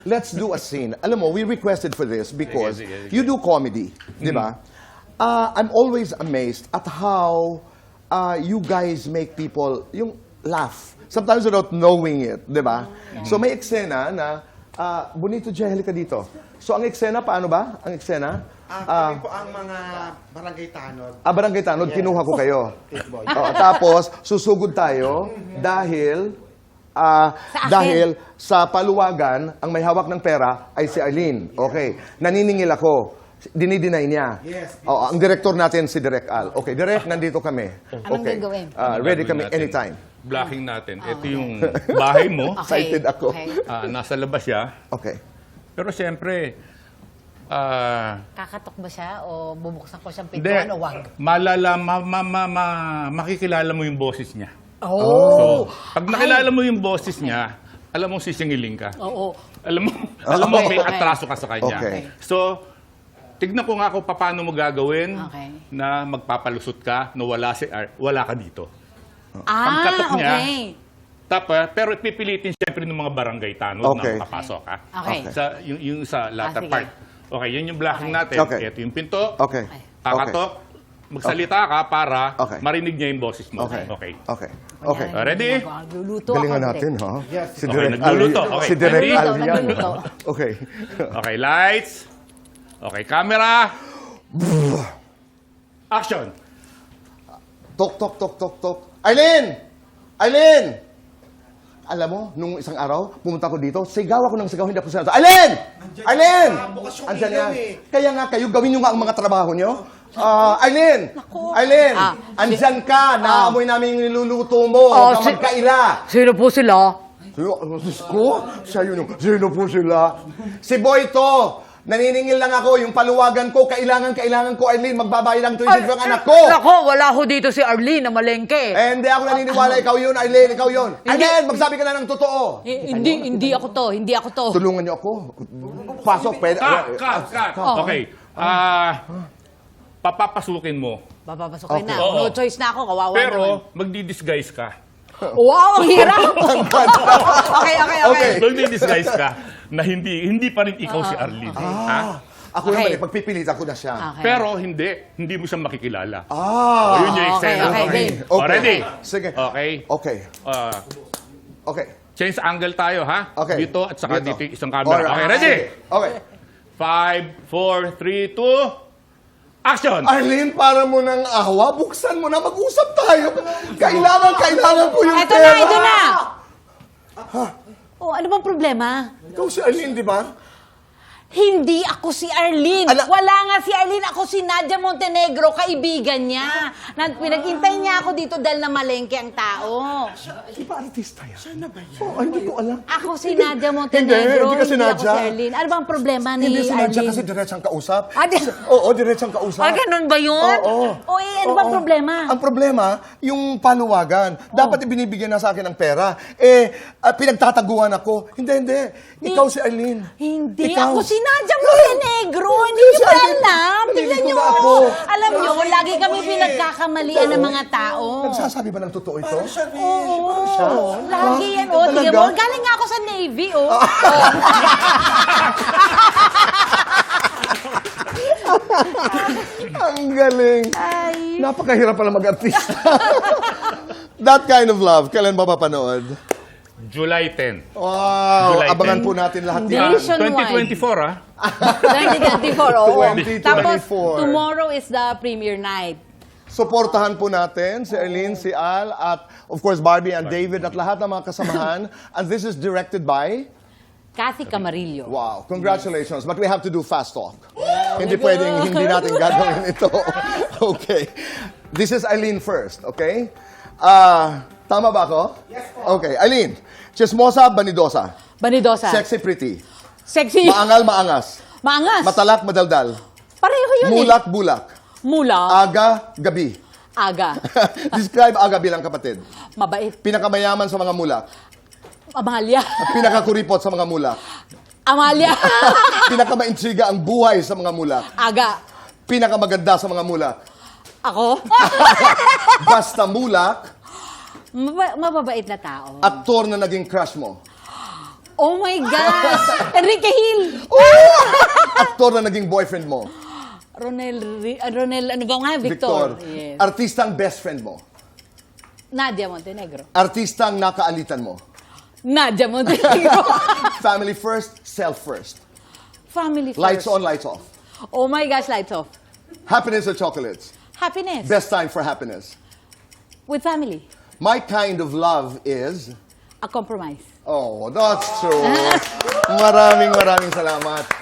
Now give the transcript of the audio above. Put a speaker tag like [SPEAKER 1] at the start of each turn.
[SPEAKER 1] Let's do a scene. Alam mo, we requested for this because
[SPEAKER 2] Sige, sige, sige.
[SPEAKER 1] you do comedy, di ba? I'm always amazed at how you guys make people yung laugh. Sometimes without knowing it, di ba? So may eksena na, Bonito Angelica dito. So ang eksena, paano ba? Ang eksena?
[SPEAKER 3] Kami po ang mga barangay tanod.
[SPEAKER 1] Barangay Tanod, kinuha ko kayo.
[SPEAKER 3] Boy.
[SPEAKER 1] Tapos, susugod tayo dahil dahil sa paluwagan, ang may hawak ng pera ay si Arlene. Okay. Naniningil ako. Dinideny niya.
[SPEAKER 3] Yes.
[SPEAKER 1] Ang director natin si Direk Al. Okay, Direk, nandito kami.
[SPEAKER 4] Anong gagawin?
[SPEAKER 1] Ready
[SPEAKER 2] Gagawin
[SPEAKER 1] kami
[SPEAKER 2] natin.
[SPEAKER 1] anytime.
[SPEAKER 2] Blocking natin. Ito yung bahay mo.
[SPEAKER 1] Excited ako.
[SPEAKER 4] Okay.
[SPEAKER 2] Nasa labas siya.
[SPEAKER 1] Okay.
[SPEAKER 2] Pero siyempre,
[SPEAKER 4] Kakatok ba siya o bubuksan ko siyang
[SPEAKER 2] hindi.
[SPEAKER 4] pintuan o wag?
[SPEAKER 2] Makikilala mo yung boses niya.
[SPEAKER 4] Oh!
[SPEAKER 2] So, pag nakilala mo yung boses niya, alam mo sisingiling ka.
[SPEAKER 4] Oo.
[SPEAKER 2] Alam mo may
[SPEAKER 4] Okay.
[SPEAKER 2] atraso ka sa kanya.
[SPEAKER 1] Okay.
[SPEAKER 2] So, tignan ko nga kung paano mo gagawin
[SPEAKER 4] Okay.
[SPEAKER 2] na magpapalusot ka na wala ka dito. Pagkatok niya,
[SPEAKER 4] okay.
[SPEAKER 2] Tapos, pero pipilitin siyempre ng mga barangay tanod
[SPEAKER 1] Okay.
[SPEAKER 2] na papasok ka.
[SPEAKER 4] Okay.
[SPEAKER 2] Yung sa latter
[SPEAKER 4] sige.
[SPEAKER 2] part. Okay, yun yung blocking natin.
[SPEAKER 1] Okay.
[SPEAKER 2] Ito yung pinto.
[SPEAKER 1] Okay.
[SPEAKER 2] Kakatok. Magsalita ka para
[SPEAKER 1] Okay.
[SPEAKER 2] marinig niya yung boses mo.
[SPEAKER 1] Okay.
[SPEAKER 2] Okay.
[SPEAKER 1] Okay. Okay.
[SPEAKER 4] Ayan,
[SPEAKER 2] Ready?
[SPEAKER 4] Nagluluto
[SPEAKER 1] Galingan
[SPEAKER 4] ako,
[SPEAKER 1] natin,
[SPEAKER 4] Direk.
[SPEAKER 1] ha?
[SPEAKER 3] Yes.
[SPEAKER 1] Si
[SPEAKER 2] Okay,
[SPEAKER 1] Direk
[SPEAKER 2] nagluluto.
[SPEAKER 1] Al.
[SPEAKER 2] Okay.
[SPEAKER 1] Si Direk
[SPEAKER 2] Ready?
[SPEAKER 1] Al yan.
[SPEAKER 4] Nagluluto.
[SPEAKER 1] Okay.
[SPEAKER 2] Okay, lights. Okay, camera. Action.
[SPEAKER 1] Tok, tok, tok, tok, tok. Arlene! Arlene! Alam mo, nung isang araw, pumunta ko dito, sigaw ako ng sigaw, hindi ako sinasabi, Arlene! Arlene!
[SPEAKER 3] bukas yung
[SPEAKER 1] Andyan
[SPEAKER 3] ilaw
[SPEAKER 1] yan.
[SPEAKER 3] eh.
[SPEAKER 1] Kaya nga kayo, gawin nyo nga ang mga trabaho nyo. Arlene! Arlene! Andyan ka, naamoy namin yung niluluto mo.
[SPEAKER 4] Oh,
[SPEAKER 1] na magkaila.
[SPEAKER 4] Sino po sila?
[SPEAKER 1] Diyos ko, siya yun. Sino po sila? Si Boy to. Naniningil lang ako, yung paluwagan ko, kailangan ko, Arlene, magbabayad ang tuition ng anak ko.
[SPEAKER 5] Nako, wala ho dito si Arlene na malengke.
[SPEAKER 1] Hindi ako naniniwala, ikaw yun, Arlene, ikaw yun. Arlene, magsabi ka na ng totoo.
[SPEAKER 5] Hindi ako to, hindi ako to.
[SPEAKER 1] Tulungan niyo ako. Pasok, pwede.
[SPEAKER 2] Cut. Okay. Papapasukin mo.
[SPEAKER 5] Papapasukin na.
[SPEAKER 2] Oo.
[SPEAKER 5] No choice na ako, kawawa naman.
[SPEAKER 2] Pero magdi-disguise ka.
[SPEAKER 5] Wow, ang hirap! okay.
[SPEAKER 2] Magdi-disguise ka na hindi pa rin ikaw si Arlene. Ha?
[SPEAKER 1] Ako
[SPEAKER 5] Okay.
[SPEAKER 1] naman, pagpipilitan ko na siya.
[SPEAKER 5] Okay.
[SPEAKER 2] Pero hindi mo siya makikilala.
[SPEAKER 1] Ah!
[SPEAKER 2] Yun yung eksena.
[SPEAKER 5] okay, game.
[SPEAKER 2] Oh, ready?
[SPEAKER 1] Sige.
[SPEAKER 2] Okay.
[SPEAKER 1] Okay. Okay.
[SPEAKER 2] Change angle tayo, ha?
[SPEAKER 1] Okay.
[SPEAKER 2] Dito at saka dito yung isang camera.
[SPEAKER 1] Alright.
[SPEAKER 2] Okay, ready?
[SPEAKER 1] Okay.
[SPEAKER 2] 5, 4, 3, 2, action!
[SPEAKER 1] Arlene, para mo ng awa, buksan mo na, mag-usap tayo. Kailangan ko yung
[SPEAKER 5] Ito
[SPEAKER 1] pera.
[SPEAKER 5] na, ito na! Oh, ano bang problema?
[SPEAKER 1] Ikaw si Arlene, di ba?
[SPEAKER 5] Hindi ako si Arlene.
[SPEAKER 1] Ala-
[SPEAKER 5] Wala nga si Arlene. Ako si Nadia Montenegro, kaibigan niya. Pinaghintay niya ako dito dahil na malengke ang tao.
[SPEAKER 1] Di ba artista yan? Siya na ba yan? Oh, hindi ko alam.
[SPEAKER 5] Ako si Nadia Montenegro.
[SPEAKER 1] Hindi kasi
[SPEAKER 5] ako
[SPEAKER 1] Nadia.
[SPEAKER 5] si Arlene. Ano bang problema ni
[SPEAKER 1] Hindi si Nadia
[SPEAKER 5] Arlene?
[SPEAKER 1] kasi diretsang kausap.
[SPEAKER 5] di-
[SPEAKER 1] Oo, diretsang kausap.
[SPEAKER 5] ganun ba yun?
[SPEAKER 1] Oo.
[SPEAKER 5] O ano bang
[SPEAKER 1] Oo.
[SPEAKER 5] problema?
[SPEAKER 1] Ang problema, yung paluwagan. Dapat ibinibigyan na sa akin ng pera. Pinagtataguan ako. Hindi. Ikaw si Arlene.
[SPEAKER 5] Hindi.
[SPEAKER 1] Ikaw.
[SPEAKER 5] Ako si Nadia Montenegro. Hindi
[SPEAKER 1] si
[SPEAKER 5] niyo ba
[SPEAKER 1] Arlene.
[SPEAKER 5] alam? Tingnan
[SPEAKER 1] Nalilito
[SPEAKER 5] niyo.
[SPEAKER 1] na ako.
[SPEAKER 5] Alam niyo, lagi kami pinagkakamalian ng mga tao.
[SPEAKER 1] Nagsasabi ba ng totoo ito?
[SPEAKER 5] Oo. Lagi yan. O, tingnan
[SPEAKER 1] Talaga?
[SPEAKER 5] mo. Galing nga ako sa Navy, oh.
[SPEAKER 1] Ang galing. Napakahirap pala mag-artista. That kind of love, kailan ba papanood?
[SPEAKER 2] July 10.
[SPEAKER 1] Wow,
[SPEAKER 2] July
[SPEAKER 1] abangan
[SPEAKER 2] 10.
[SPEAKER 1] po natin lahat
[SPEAKER 5] Hindi.
[SPEAKER 1] yan.
[SPEAKER 5] Nationwide.
[SPEAKER 2] 2024, ha?
[SPEAKER 5] 2024, oo.
[SPEAKER 1] 2024.
[SPEAKER 5] Tapos, tomorrow is the premiere night.
[SPEAKER 1] Suportahan po natin si Arlene, si Al, at of course Barbie and David at lahat ng mga kasamahan. And this is directed by...
[SPEAKER 5] Kathy Camarillo.
[SPEAKER 1] Wow, congratulations. But we have to do fast talk. Hindi pwedeng hindi natin gagawin ito. Okay. This is Arlene first, okay? Tama ba ako? Yes po. Okay, Arlene. Chismosa, banidosa.
[SPEAKER 5] Banidosa.
[SPEAKER 1] Sexy, pretty.
[SPEAKER 5] Sexy.
[SPEAKER 1] Maangal, maangas.
[SPEAKER 5] Maangas.
[SPEAKER 1] Matalak, madaldal.
[SPEAKER 5] Pareho yun
[SPEAKER 1] Mulak, bulak.
[SPEAKER 5] Mula.
[SPEAKER 1] Aga, gabi.
[SPEAKER 5] Aga.
[SPEAKER 1] Describe aga bilang kapatid.
[SPEAKER 5] Mabait.
[SPEAKER 1] Pinakamayaman sa mga mulak.
[SPEAKER 5] Amalia.
[SPEAKER 1] At pinakakuripot sa mga mulak.
[SPEAKER 5] Amalia.
[SPEAKER 1] Pinakamaintriga ang buhay sa mga mulak.
[SPEAKER 5] Aga.
[SPEAKER 1] Pinakamaganda sa mga mulak.
[SPEAKER 5] Ako?
[SPEAKER 1] Basta mulak,
[SPEAKER 5] Mababait na tao.
[SPEAKER 1] aktor na naging crush mo.
[SPEAKER 5] Oh my gosh! Enrique Hill!
[SPEAKER 1] Aktor na naging boyfriend mo.
[SPEAKER 5] Ronel, ano ba nga? Victor. Yes.
[SPEAKER 1] Artistang best friend mo.
[SPEAKER 5] Nadia Montenegro.
[SPEAKER 1] Artistang nakaalitan mo.
[SPEAKER 5] Nadia Montenegro.
[SPEAKER 1] Family first, self first.
[SPEAKER 5] Family first.
[SPEAKER 1] Lights on, lights off.
[SPEAKER 5] Oh my gosh, lights off.
[SPEAKER 1] Happiness or chocolates?
[SPEAKER 5] Happiness.
[SPEAKER 1] Best time for happiness.
[SPEAKER 5] With family.
[SPEAKER 1] My kind of love is...
[SPEAKER 5] A compromise.
[SPEAKER 1] Oh, that's true. Maraming salamat.